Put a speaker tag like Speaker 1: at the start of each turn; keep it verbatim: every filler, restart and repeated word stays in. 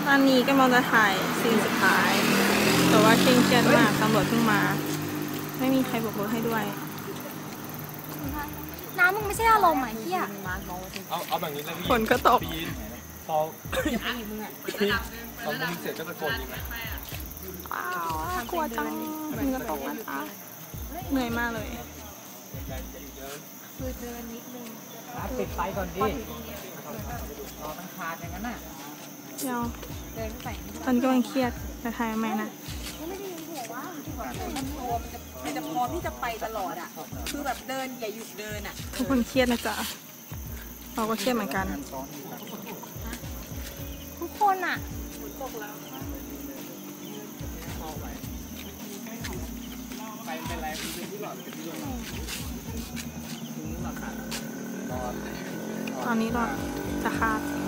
Speaker 1: ตอนนี้ก็มองจะถ่ายซีนสุดท้ายแต่ว่าเคร่งเครียดมากตำรวจเพิ่งมาไม่มีใครบอกรถให้ด้วย
Speaker 2: น้ำมึงไม่ใช่อารมณ์อ่ะเฮีย
Speaker 3: เอาเอาแบบนี้เลยพี่
Speaker 1: ฝนก็ตก
Speaker 3: พอตอนมึงเสร็จก็ตะโกนยิงไหม
Speaker 1: ว้าวกลัวจังมึงก็ตกแล้วจ้าเหนื่อยมากเลย
Speaker 2: คือเดินนิดนึง
Speaker 4: ปิดไฟก่อนดิรอมันขาดอย่างนั้นน่ะ
Speaker 1: เดี๋ยว
Speaker 2: เดินไป
Speaker 1: ตอนนี้กำลังเครียดจะถ่ายไหมนะ
Speaker 2: ไม่ได้ยินหัวว่า
Speaker 5: มันตัวมันจะมันจะพร้อมที่จะไปตลอดอ่ะคือแบบเดินอย่าหยุดเดินอ่ะ
Speaker 1: ทุกคนเครียดนะจ๊ะเราก็เครียดเหมือนกัน
Speaker 2: ทุกคนอ่ะ
Speaker 3: ไปเป็นไรเป็นที่หลอดเป็นที่หลอด
Speaker 1: ตอนนี้เราจะขาด